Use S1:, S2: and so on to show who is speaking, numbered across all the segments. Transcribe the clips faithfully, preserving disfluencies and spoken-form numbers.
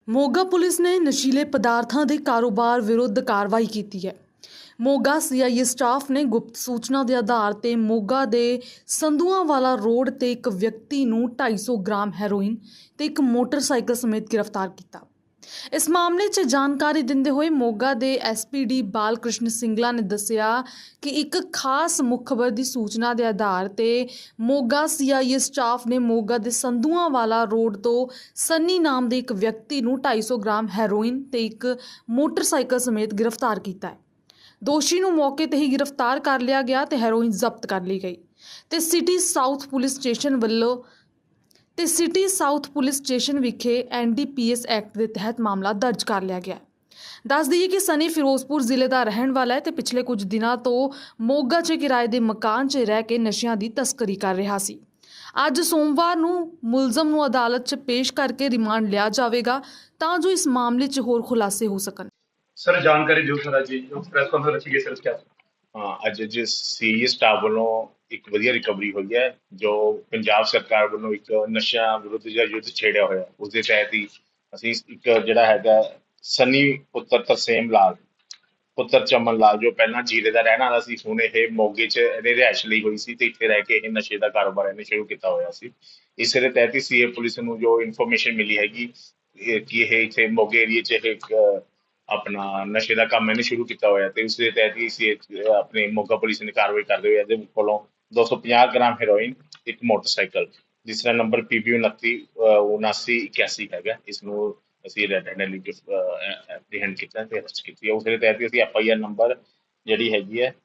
S1: Moga police ਨੇ ਨਸ਼ੀਲੇ ਪਦਾਰਥਾਂ ਦੇ ਕਾਰੋਬਾਰ ਵਿਰੁੱਧ ਕਾਰਵਾਈ ਕੀਤੀ ਹੈ। ਮੋਗਾ ਸੀ ਆਈ ਏ ਸਟਾਫ ਨੇ ਗੁਪਤ ਸੂਚਨਾ ਦੇ ਆਧਾਰ ਤੇ ਮੋਗਾ ਦੇ ਸੰਧੂਆਂਵਾਲਾ ਰੋਡ ਤੇ ਇੱਕ ਵਿਅਕਤੀ ਨੂੰ ਢਾਈ ਸੌ ਗ੍ਰਾਮ ਹੈਰੋਇਨ ਤੇ ਇੱਕ ਮੋਟਰਸਾਈਕਲ ਸਮੇਤ ਗ੍ਰਿਫਤਾਰ ਕੀਤਾ। ਇਸ ਮਾਮਲੇ 'ਚ ਜਾਣਕਾਰੀ ਦਿੰਦੇ ਹੋਏ ਮੋਗਾ ਦੇ S P D Bal Krishan Singla ਨੇ ਦੱਸਿਆ ਕਿ ਇੱਕ ਖਾਸ ਮੁਖਬਰ ਦੀ ਸੂਚਨਾ ਦੇ ਆਧਾਰ ਤੇ ਮੋਗਾ ਸੀ ਆਈ ਏ ਸਟਾਫ ਨੇ ਮੋਗਾ ਦੇ ਸੰਧੂਆਂਵਾਲਾ ਰੋਡ ਤੋਂ ਸੰਨੀ ਨਾਮ ਦੇ ਇੱਕ ਵਿਅਕਤੀ ਨੂੰ ਢਾਈ ਸੌ ਗ੍ਰਾਮ ਹੈਰੋਇਨ ਤੇ ਇੱਕ ਮੋਟਰਸਾਈਕਲ ਸਮੇਤ ਗ੍ਰਿਫਤਾਰ ਕੀਤਾ ਹੈ। ਦੋਸ਼ੀ ਨੂੰ ਮੌਕੇ ਤੇ ਹੀ ਗ੍ਰਿਫਤਾਰ ਕਰ ਲਿਆ ਗਿਆ ਤੇ ਹੈਰੋਇਨ ਜ਼ਬਤ ਕਰ ਲਈ ਗਈ ਤੇ ਸਿਟੀ ਸਾਊਥ ਪੁਲਿਸ ਸਟੇਸ਼ਨ ਵੱਲੋਂ ਤੇ ਸਿਟੀ ਸਾਊਥ ਪੁਲਿਸ ਸਟੇਸ਼ਨ ਵਿਖੇ N D P S act ਦੇ ਤਹਿਤ ਮਾਮਲਾ ਦਰਜ ਕਰ ਲਿਆ ਗਿਆ। ਦੱਸ ਦਈਏ ਕਿ ਸਨੀ ਫਿਰੋਜ਼ਪੁਰ ਜ਼ਿਲ੍ਹੇ ਦਾ ਰਹਿਣ ਵਾਲਾ ਹੈ ਤੇ ਪਿਛਲੇ ਕੁਝ ਦਿਨਾਂ ਤੋਂ ਮੋਗਾ 'ਚ ਕਿਰਾਏ ਦੇ ਮਕਾਨ 'ਚ ਰਹਿ ਕੇ ਨਸ਼ਿਆਂ ਦੀ ਤਸਕਰੀ ਕਰ ਰਿਹਾ ਸੀ। ਅੱਜ ਸੋਮਵਾਰ ਨੂੰ ਮੁਲਜ਼ਮ ਨੂੰ ਅਦਾਲਤ 'ਚ ਪੇਸ਼ ਕਰਕੇ ਰਿਮਾਂਡ ਲਿਆ ਜਾਵੇਗਾ ਤਾਂ ਜੋ ਇਸ ਮਾਮਲੇ 'ਚ ਹੋਰ ਖੁਲਾਸੇ ਹੋ ਸਕਣ।
S2: ਸਰ ਜਾਣਕਾਰੀ ਦਿਓ ਸਰ ਜੀ ਜੋ ਪ੍ਰੈਸ ਕਾਨਫਰੰਸ ਰੱਖੀ ਗਈ ਸਰ ਕਿਆ
S3: ਹਾਂ ਅੱਜ ਅੱਜ ਸੀ ਆਈ ਏ ਸਟਾਫ ਵੱਲੋਂ ਇੱਕ ਵਧੀਆ ਰਿਕਵਰੀ ਹੋਈ ਹੈ ਜੋ ਪੰਜਾਬ ਸਰਕਾਰ ਵੱਲੋਂ ਇੱਕ ਨਸ਼ਿਆਂ ਵਿਰੁੱਧ ਜਿਹੜਾ ਯੁੱਧ ਛੇੜਿਆ ਹੋਇਆ ਉਸ ਦੇ ਤਹਿਤ ਹੀ ਅਸੀਂ ਇੱਕ ਜਿਹੜਾ ਹੈਗਾ ਸਨੀ ਪੁੱਤਰ ਤਰਸੇਮ ਲਾਲ ਪੁੱਤਰ ਚਮਨ ਲਾਲ ਜੋ ਪਹਿਲਾਂ ਜੀਰੇ ਦਾ ਰਹਿਣ ਵਾਲਾ ਸੀ, ਹੁਣ ਇਹ ਮੋਗੇ 'ਚ ਇਹਨੇ ਰਿਹਾਇਸ਼ ਲਈ ਹੋਈ ਸੀ ਤੇ ਇੱਥੇ ਰਹਿ ਕੇ ਇਹ ਨਸ਼ੇ ਦਾ ਕਾਰੋਬਾਰ ਇਹਨੇ ਸ਼ੁਰੂ ਕੀਤਾ ਹੋਇਆ ਸੀ। ਇਸੇ ਦੇ ਤਹਿਤ ਹੀ ਸੀ ਏ ਪੁਲਿਸ ਨੂੰ ਜੋ ਇਨਫੋਰਮੇਸ਼ਨ ਮਿਲੀ ਹੈਗੀ ਕਿ ਇਹ ਇੱਥੇ ਮੋਗੇ ਏਰੀਏ 'ਚ ਇਹ ਆਪਣਾ ਨਸ਼ੇ ਦਾ ਕੰਮ ਇਹਨੇ ਸ਼ੁਰੂ ਕੀਤਾ ਹੋਇਆ ਤੇ ਉਸ ਦੇ ਤਹਿਤ ਹੀ ਸੀ ਆਪਣੇ ਮੋਗਾ ਪੁਲਿਸ ਨੇ ਕਾਰਵਾਈ ਕਰਦੇ ਹੋਏ ਇਹਦੇ ਕੋਲੋਂ ਦੋ ਸੌ ਪੰਜਾਹ ਗ੍ਰਾਮ ਹੈਰੋਇਨ, ਇੱਕ ਮੋਟਰਸਾਈਕਲ ਜਿਸ ਦਾ ਨੰਬਰ ਪੀ ਬੀ ਉਨੱਤੀ ਉਨਾਸੀ ਇਕਿਆਸੀ ਹੈਗਾ, ਇਸ ਨੂੰ ਅਸੀਂ ਰੈਡ ਹੈਂਡਲੀ ਐਪਰੀਹੈਂਡ ਕੀਤਾ ਤੇ ਅਰੈਸਟ ਕੀਤੀ ਹੈ। ਉਸ ਦੇ ਤਹਿਤ ਅਸੀਂ ਐਫ ਆਈ ਆਰ ਨੰਬਰ ਜਿਹੜੀ ਹੈਗੀ ਹੈ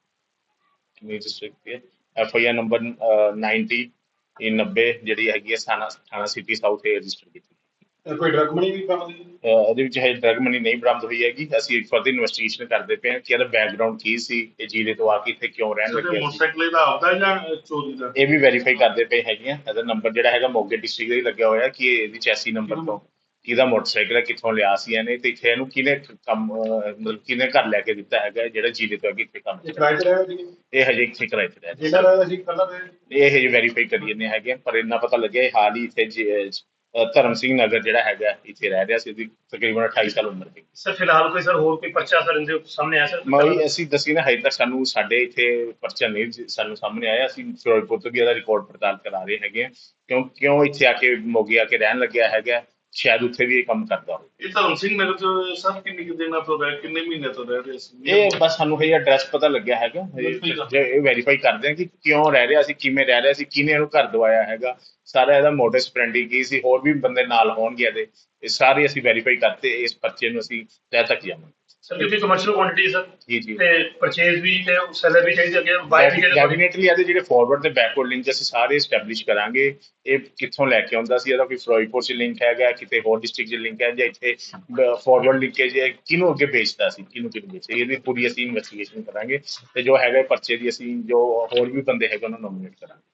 S3: F I R number ninety ਨੱਬੇ ਜਿਹੜੀ ਹੈਗੀ ਹੈ ਥਾਣਾ ਥਾਣਾ ਸਿਟੀ ਸਾਊਥ ਤੇ ਰਜਿਸਟਰ ਕੀਤੀ।
S2: ਕੋਈ ਡਰਗ ਮਨੀ ਵੀ ਬਰਾਮਦ
S3: ਇਹਦੇ ਵਿੱਚ ਹਜੇ ਡਰਗ ਮਨੀ ਨਹੀਂ ਬਰਾਮਦ ਹੋਈ ਹੈਗੀ। ਅਸੀਂ ਫਰਦਰ ਇਨਵੈਸਟੀਗੇਸ਼ਨ ਕਰਦੇ ਪਏ ਹਾਂ ਕਿ ਇਹਦਾ ਬੈਕਗਰਾਉਂਡ ਕੀ ਸੀ, ਇਹ ਜੀਰੇ ਤੋਂ ਆ ਕੇ ਇੱਥੇ ਕਿਉਂ ਰਹਿਣ ਲੱਗਿਆ ਸੀ।
S2: ਮੋਟਰਸਾਈਕਲ ਦਾ ਆਪਦਾ ਜਾਂ ਚੋਰੀ ਦਾ
S3: ਇਹ ਵੀ ਵੈਰੀਫਾਈ ਕਰਦੇ ਪਏ ਹੈਗੇ ਆ। ਇਹਦਾ ਨੰਬਰ ਜਿਹੜਾ ਹੈਗਾ ਮੋਗੇ ਡਿਸਟ੍ਰਿਕਟ ਦਾ ਹੀ ਲੱਗਿਆ ਹੋਇਆ ਕਿ ਇਹਦੀ ਚੈਸੀ ਨੰਬਰ ਤੋਂ ਕਿਹਦਾ ਮੋਟਰਸਾਈਕਲ ਹੈ, ਕਿੱਥੋਂ ਲਿਆ ਸੀ ਇਹਨੇ ਤੇ ਇੱਥੇ ਇਹਨੂੰ ਕਿਹਨੇ ਕੰਮ ਮਤਲਬ ਕਿਹਨੇ ਘਰ ਲੈ ਕੇ ਦਿੱਤਾ ਹੈਗਾ ਜਿਹੜਾ ਜੀਰੇ ਤੋਂ ਅੱਗੇ ਇੱਥੇ ਕੰਮ ਇਹ ਹਜੇ ਇੱਥੇ ਕਿਰਾਏ ਤੇ ਰਹਿ ਇਹ ਹਜੇ ਵੈਰੀਫਾਈ ਕਰੀ ਜਾਂਦੇ ਹੈਗੇ ਪਰ ਇੰਨਾ ਪਤਾ ਲੱਗਿਆ ਇਹ ਹਾਲ ਹੀ ਇੱਥੇ ਧਰਮ ਸਿੰਘ ਨਗਰ ਜਿਹੜਾ ਹੈਗਾ ਇੱਥੇ ਰਹਿ ਰਿਹਾ ਸੀ। ਇਹਦੀ ਤਕਰੀਬਨ ਅਠਾਈ ਸਾਲ ਉਮਰ ਸੀ।
S2: ਸਰ ਫਿਲਹਾਲ ਕੋਈ ਸਰ ਹੋਰ ਕੋਈ ਪਰਚਾ ਸਰ ਇਹਦੇ ਸਾਹਮਣੇ ਆਇਆ ਸਰ?
S3: ਮੈਂ ਅਸੀਂ ਦੱਸੀ ਨਾ ਹਜੇ ਤੱਕ ਸਾਨੂੰ ਸਾਡੇ ਇੱਥੇ ਪਰਚਾ ਨਹੀਂ ਸਾਨੂੰ ਸਾਹਮਣੇ ਆਇਆ। ਅਸੀਂ ਫਿਰੋਜ਼ਪੁਰ ਤੋਂ ਵੀ ਇਹਦਾ ਰਿਕਾਰਡ ਪੜਤਾਲ ਕਰਾ ਰਹੇ ਹੈਗੇ ਕਿਉਂ ਕਿਉਂ ਇੱਥੇ ਆ ਕੇ ਮੋਗੇ ਆ ਕੇ ਰਹਿਣ ਲੱਗਿਆ ਹੈਗਾ, ਸ਼ਾਇਦ ਉੱਥੇ ਵੀ ਇਹ ਕੰਮ ਕਰਦਾ ਹੋਵੇ।
S2: ਇਹ ਧਰਮ ਸਿੰਘ ਨਗਰ ਤੋਂ ਸਰ ਕਿੰਨੇ ਕਿ ਦਿਨਾਂ ਤੋਂ ਰਹਿ ਕਿੰਨੇ ਮਹੀਨੇ ਤੋਂ ਰਹਿ ਰਹੇ ਸੀ?
S3: ਇਹ ਬਸ ਸਾਨੂੰ ਇਹ ਐਡਰੈਸ ਪਤਾ ਲੱਗਿਆ ਹੈਗਾ, ਇਹ ਵੈਰੀਫਾਈ ਕਰਦੇ ਹਾਂ ਕਿ ਕਿਉਂ ਰਹਿ ਰਿਹਾ ਸੀ, ਕਿਵੇਂ ਰਹਿ ਰਿਹਾ ਸੀ, ਕਿਹਨੇ ਇਹਨੂੰ ਘਰ ਦਵਾਇਆ ਹੈਗਾ, ਸਾਰਾ ਇਹਦਾ ਮੋਟਿਵ ਸਪਰੈਂਡੀ ਕੀ ਸੀ, ਹੋਰ ਵੀ ਬੰਦੇ ਨਾਲ ਹੋਣਗੇ ਇਹਦੇ, ਇਹ ਸਾਰੇ ਅਸੀਂ ਵੈਰੀਫਾਈ ਕਰਤੇ ਇਸ ਪਰਚੇ ਨੂੰ ਅਸੀਂ ਤਹਿ ਤੱਕ ਜਾਵਾਂਗੇ।
S2: ਸਰ ਕਿਉਂਕਿ ਕਮਰਸ਼ੀਅਲ ਕੁਆਂਟੀਟੀ ਸਰ
S3: ਜੀ ਜੀ
S2: ਤੇ ਪਰਚੇਜ਼ ਵੀ ਤੇ ਸੈਲਰ ਵੀ ਚਾਹੀਦੀ ਅੱਗੇ ਬਾਈ ਵੀ
S3: ਡੈਫੀਨੇਟਲੀ ਇਹਦੇ ਜਿਹੜੇ ਫਾਰਵਰਡ ਤੇ ਬੈਕਵਰਡ ਲਿੰਕ ਅਸੀਂ ਸਾਰੇ ਐਸਟੈਬਲਿਸ਼ ਕਰਾਂਗੇ। ਇਹ ਕਿੱਥੋਂ ਲੈ ਕੇ ਆਉਂਦਾ ਸੀ, ਇਹਦਾ ਕੋਈ ਫਿਰੋਜ਼ਪੁਰ 'ਚ ਲਿੰਕ ਹੈਗਾ, ਕਿਤੇ ਹੋਰ ਡਿਸਟ੍ਰਿਕਟ 'ਚ ਲਿੰਕ ਹੈ ਜਾਂ ਇੱਥੇ ਫਾਰਵਰਡ ਲਿੰਕੇਜ ਹੈ, ਕਿਹਨੂੰ ਅੱਗੇ ਵੇਚਦਾ ਸੀ, ਕਿਹਨੂੰ ਕਿਹਨੂੰ ਵੇਚਿਆ, ਇਹਦੀ ਪੂਰੀ ਅਸੀਂ ਇਨਵੈਸਟੀਗੇਸ਼ਨ ਕਰਾਂਗੇ ਤੇ ਜੋ ਹੈਗਾ ਪਰਚੇ ਦੀ ਅਸੀਂ ਜੋ ਹੋਰ ਵੀ ਬੰਦੇ ਹੈਗੇ ਉਹਨਾਂ ਨੂੰ ਨੋਮੀਨੇਟ ਕਰਾਂਗੇ।